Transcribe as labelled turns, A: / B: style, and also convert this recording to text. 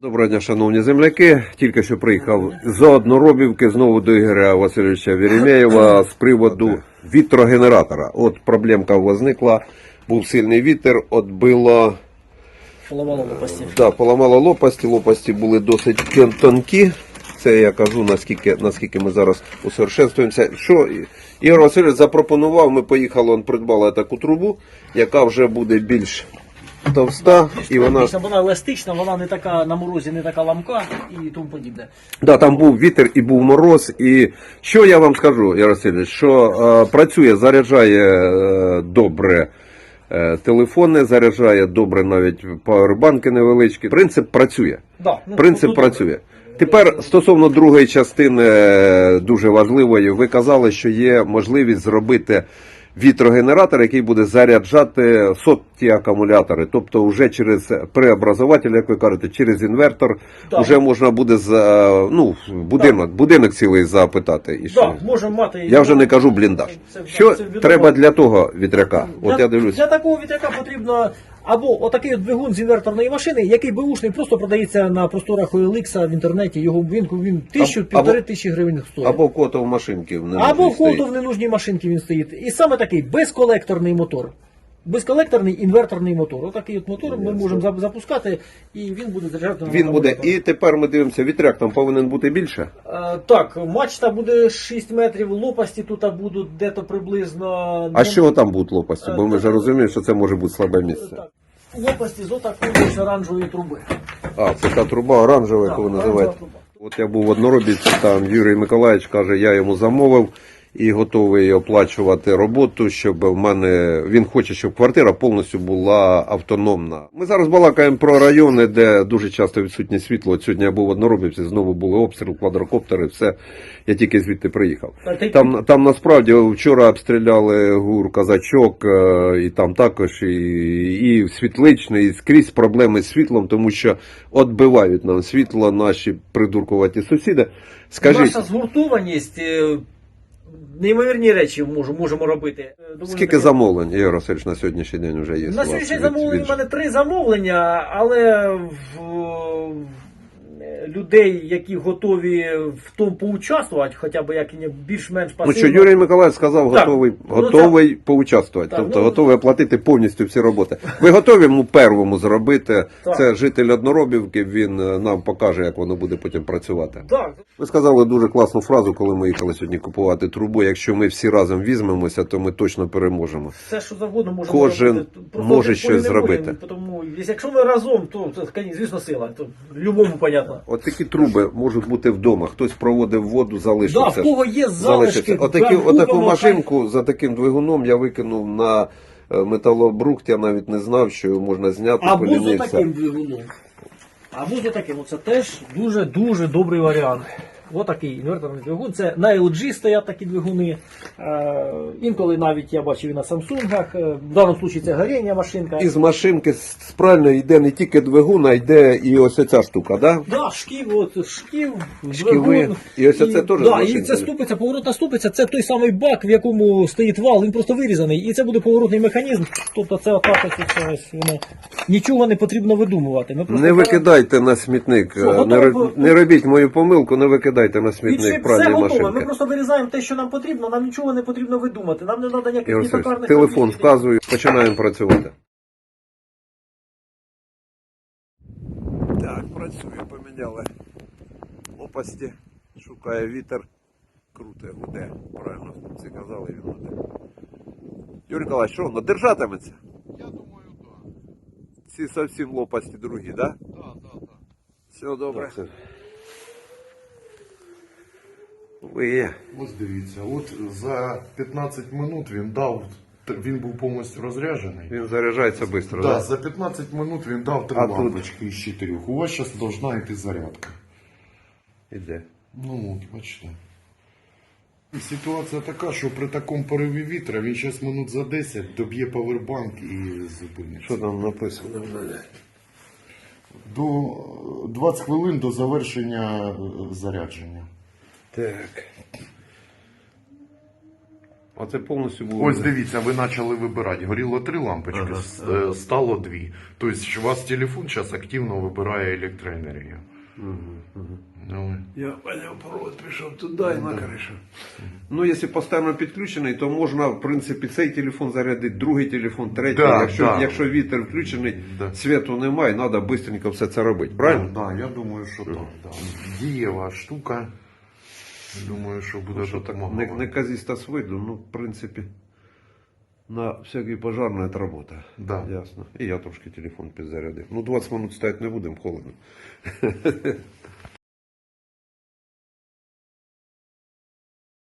A: Доброго дня, шановні земляки. Тільки що приїхав з Одноробівки знову до Ігоря Васильовича Веремєєва з приводу вітрогенератора. От проблемка возникла, був сильний вітер, отбило...
B: Поламало лопасті.
A: Да, поламало лопасті, лопасті були досить тонкі. Це я кажу, наскільки ми зараз усовершенствуємося. Що Ігор Васильович запропонував, ми поїхали, придбали таку трубу, яка вже буде більш товста, і вона
B: еластична, вона не така на морозі, не така ламка і тому подібне.
A: Да, там був вітер і був мороз. І що я вам скажу, Ігор Васильович, що працює, заряджає добре телефони, заряджає добре навіть павербанки невеличкі. Принцип працює.
B: Да,
A: Принцип працює. Тепер стосовно другої частини, дуже важливої, ви казали, що є можливість зробити вітрогенератор, який буде заряджати сотні акумулятори. Тобто вже через преобразователь, як ви кажете, через інвертор, вже можна буде будинок цілий запитати.
B: Так, можемо мати.
A: Я вже не кажу бліндаж. Що треба для того вітряка? От я дивлюсь.
B: Для такого вітряка потрібно або отакий от двигун з інверторної машини, який беушний, просто продається на просторах OLX в інтернеті. Його він 1000-1500 тисячі гривень стоїть.
A: Або в котов машинки.
B: Або в котов в ненужній машинці він стоїть. І саме такий безколекторний мотор. Безколекторний інверторний мотор. Отакий от мотор ми можемо запускати, і він буде заряджати.
A: Він буде. І тепер ми дивимося, вітряк там повинен бути більше?
B: Так, мачта буде 6 метрів, лопасті тут будуть дето приблизно...
A: А з чого там будуть лопасті? Бо ми вже розуміємо, що це може бути слабе місце.
B: Так. Лопасті з отакої оранжевої труби.
A: А, це та труба оранжева, яку ви називаєте. От я був в Одноробівці, там Юрій Миколаївич каже, я йому замовив і готовий оплачувати роботу, щоб в мене, він хоче, щоб квартира повністю була автономна. Ми зараз балакаємо про райони, де дуже часто відсутнє світло. От сьогодні я був в Одноробівці, знову були обстріл, квадрокоптери, все. Я тільки звідти приїхав. Там насправді вчора обстріляли ГУР Казачок, і там також і Світличний, і скрізь проблеми з світлом, тому що відбивають нам світло наші придуркуваті сусіди. Скажіть,
B: наша згуртованість... Неймовірні речі можемо робити.
A: Скільки замовлень, Ігор Васильович, на сьогоднішній день вже є?
B: На сьогоднішній замовлень у мене 3 замовлення, але людей, які готові в тому поучаствувати, хоча б як більш-менш пасивно.
A: Ну що, Юрій Миколаївич сказав, готовий поучаствувати, тобто готовий оплатити повністю всі роботи. Ви готові первому зробити? Так. Це житель Одноробівки, він нам покаже, як воно буде потім працювати.
B: Так.
A: Ви сказали дуже класну фразу, коли ми їхали сьогодні купувати трубу. Якщо ми всі разом візьмемося, то ми точно переможемо.
B: Все, що завгодно можемо
A: Кожен
B: робити.
A: може щось зробити.
B: Тому, якщо ми разом, то звісно, сила. То любому понятно.
A: От такі труби можуть бути вдома. Хтось проводив воду, залишився.
B: Да, в кого є залишки.
A: Отаку машинку за таким двигуном я викинув на металобрухт. Я навіть не знав, що його можна зняти.
B: Або за таким двигуном. Або за таким. Оце теж дуже добрий варіант. Отакий інверторний двигун. Це на LG стоять такі двигуни. Інколи навіть я бачив і на Самсунгах. В даному випадку це горіння машинка.
A: Із машинки спрально йде не тільки двигун, а йде і ось ця штука, так? Да?
B: Так, шків,
A: двигун. І ось це теж
B: да, і це ступиця, поворотна ступиця, це той самий бак, в якому стоїть вал, він просто вирізаний. І це буде поворотний механізм. Тобто це отак ось воно. Нічого не потрібно видумувати.
A: Не викидайте на смітник. Не робіть мою помилку, не викидайте на смітник пральні машинки.
B: Ми просто вирізаємо те, що нам потрібно, нам нічого не потрібно видумати. Нам не треба ніяких токарних...
A: Телефон вказую, починаємо працювати. Так, працює, поміняли лопасті, шукає вітер, круте, гуде, правильно всі казали, він гуде. Юрій Николаївич, що воно держатиметься?
C: Я думаю, так.
A: Ці зовсім лопасті другі, так?
C: Так.
A: Все добре. Ви є.
C: Ось дивіться, от за 15 минут він був повністю розряджений.
A: Він заряджається швидко, так?
C: Да, за 15 минут він дав 3 лампочки із 4. У вас зараз повинна йти зарядка.
A: Іде.
C: Ну от, бачите. Ситуація така, що при такому пориві вітра він зараз минут за 10 доб'є павербанк і зупиниться.
A: Що там написано?
C: До 20 хвилин до завершення зарядження.
A: Так. А це повністю було.
C: Ось дивіться, ви почали вибирати. Горіло 3 лампочки, стало 2. Тобто у вас телефон зараз активно вибирає електроенергію. Ну,
A: Я понял, провод пішов туди і на кришу. Ну, якщо постійно підключений, то можна, в принципі, цей телефон зарядити, другий телефон, третій.
C: Да,
A: якщо вітер включений,
C: Да.
A: світу немає, треба швидко все це робити. Правильно?
C: Так, я думаю, що так. Да. Дієва штука. Думаю, що буде
A: Що так,
C: допомагати.
A: неказиста з виду, ну, в принципі, на всякий пожарний це робота.
C: Да.
A: Ясно. І я трошки телефон підзарядив. Ну, 20 минут стояти не будемо, холодно.